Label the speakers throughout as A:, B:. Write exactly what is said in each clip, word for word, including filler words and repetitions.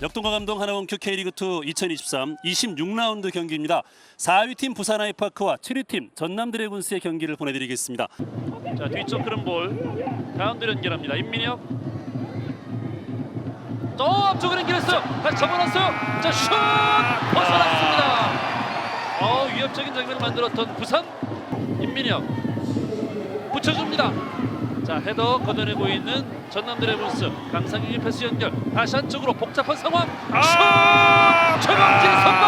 A: 역동과 감동 하나원큐 K리그투 이천이십삼 이십육 라운드 경기입니다. 사 위 팀 부산 아이파크와 칠 위 팀 전남 드래곤스의 경기를 보내드리겠습니다.
B: 자, 뒤쪽 흐름 볼 가운데로 연결합니다. 임민혁. 또 앞쪽으로 연결했어요. 다시 접어놨어요. 자, 슛 벗어났습니다. 어, 위협적인 장면을 만들었던 부산. 임민혁 붙여줍니다. 자, 헤더 걷어내고 있는 전남 드래곤스. 강상윤이 패스 연결. 다시 한쪽으로 복잡한 상황. 아! 슛! 최범진 선방!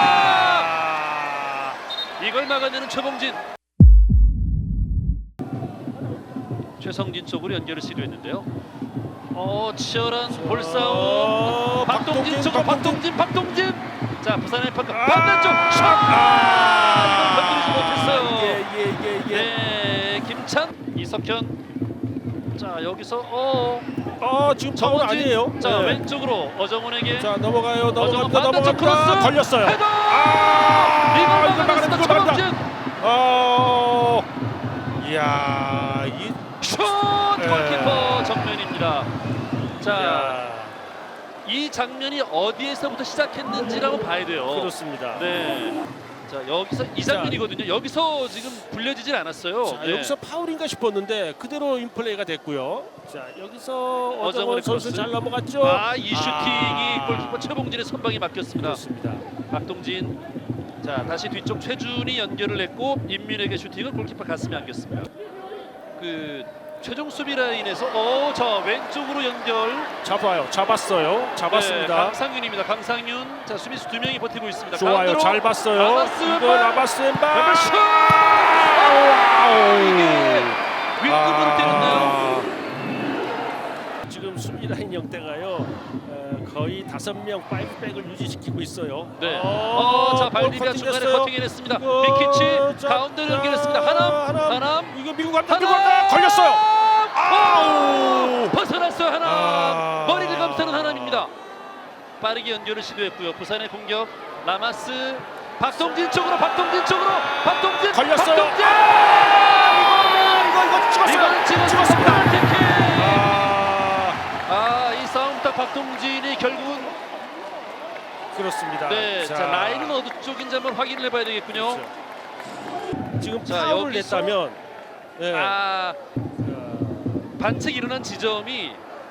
B: 이걸 막아내는 최범진. 최성진 쪽으로 연결을 시도했는데요. 어, 치열한 볼싸움.
C: 어,
B: 박동진 쪽으로 박동진, 박동진. 자, 부산 아이파크
C: 아!
B: 반대쪽 슛! 아! 이걸 건드리지 못했어요.
C: 예, 예, 예, 예.
B: 네, 김찬, 이석현. 자, 여기서 어,
C: 어, 지금 파울
B: 정원진.
C: 아니에요?
B: 자,
C: 네.
B: 왼쪽으로 어정훈에게.
C: 자, 넘어가요.
B: 어정훈
C: 넘어갑니다.
B: 반대쪽
C: 넘어갑니다.
B: 크로스.
C: 걸렸어요.
B: 헤더!
C: 아!
B: 이걸
C: 이걸
B: 막아냈습니다.
C: 막아냈다. 이걸
B: 최범진.
C: 어. 이야, 이
B: 슛!
C: 네.
B: 골키퍼 정면입니다. 자,
C: 야,
B: 이 장면이 어디에서부터 시작했는지라고 봐야 돼요.
C: 그렇습니다.
B: 네. 자, 여기서 이 장면이거든요. 여기서 지금 굴려지질 않았어요.
C: 자,
B: 네.
C: 여기서 파울인가 싶었는데 그대로 인플레이가 됐고요. 자, 여기서 어정원
B: 어정원의
C: 선수
B: 크로스.
C: 잘 넘어갔죠.
B: 아, 이 슈팅이
C: 아.
B: 골키퍼 최봉진의 선방에 맡겼습니다.
C: 그렇습니다.
B: 박동진. 자, 다시 뒤쪽 최준이 연결을 했고 임민에게 슈팅을 골키퍼 가슴에 안겼습니다. 그 최종 수비 라인에서 어, 자, 왼쪽으로 연결.
C: 잡아요. 잡았어요. 잡았습니다.
B: 네, 강상윤입니다. 강상윤. 자, 수비수 두 명이 버티고 있습니다.
C: 좋아요.
B: 가운데로.
C: 잘 봤어요.
B: 라마스
C: 이거
B: 왼발.
C: 라마스 왼발.
B: 왼발 슛!
C: 와우.
B: 이게 윗급으로
C: 아.
B: 때렸나요?
C: 지금 수비 라인 형태가요. 어, 거의 다섯 명 파이브백을 유지시키고 있어요.
B: 네.
C: 어,
B: 어, 자,
C: 볼
B: 발디비아
C: 커팅
B: 중간에
C: 됐어요.
B: 커팅해냈습니다.
C: 이거,
B: 빅키치
C: 자,
B: 가운데로
C: 자,
B: 연결했습니다. 하남,
C: 하남.
B: 하남,
C: 이거 미국 간다.
B: 하남!
C: 미국 간다. 걸렸어요. 아우.
B: 벗어났어요. 하남.
C: 아.
B: 머리를 감싸는 하남입니다. 빠르게 연결을 시도했고요. 부산의 공격. 라마스. 박동진 쪽으로, 박동진 쪽으로, 박동진.
C: 걸렸어요.
B: 박동진.
C: 이거 이거 찍었어요.
B: 이거는 찍었습니다.
C: 찍었습니다.
B: 페널티킥.
C: 아,
B: 아, 이 싸움 딱 박동진이 결국은
C: 그렇습니다.
B: 네, 자, 라인은 어느 쪽인지 한번 확인을 해봐야 되겠군요.
C: 그렇죠. 지금
B: 자,
C: 파울을
B: 여기서-
C: 냈다면 네.
B: 아,
C: 자,
B: 반칙 일어난 지점이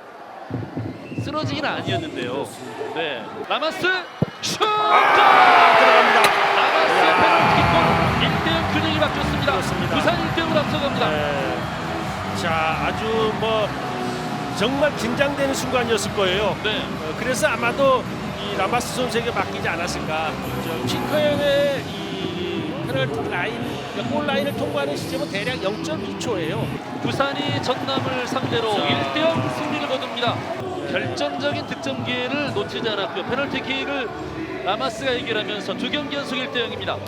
B: 쓰러지긴 아니었는데요. 네, 라마스 슛!
C: 아, 들어갑니다.
B: 라마스
C: 야.
B: 페널티킥골 일 대 영 균형이 바뀌었습니다.
C: 그렇습니다.
B: 부산 일 대 영으로 앞서갑니다.
C: 네. 자, 아주 뭐 정말 긴장되는 순간이었을 거예요.
B: 네,
C: 어, 그래서 아마도 이 라마스 선수에게 맡기지 않았을까. 핑커의 이 페널티 라인, 골 라인을 통과하는 시점은 대략 영 점 이 초예요.
B: 부산이 전남을 상대로
C: 자.
B: 일 대 영 승리를 거둡니다. 결정적인 득점 기회를 놓치지 않았고요. 페널티킥을 라마스가 해결하면서 두 경기 연속 일 대 영입니다.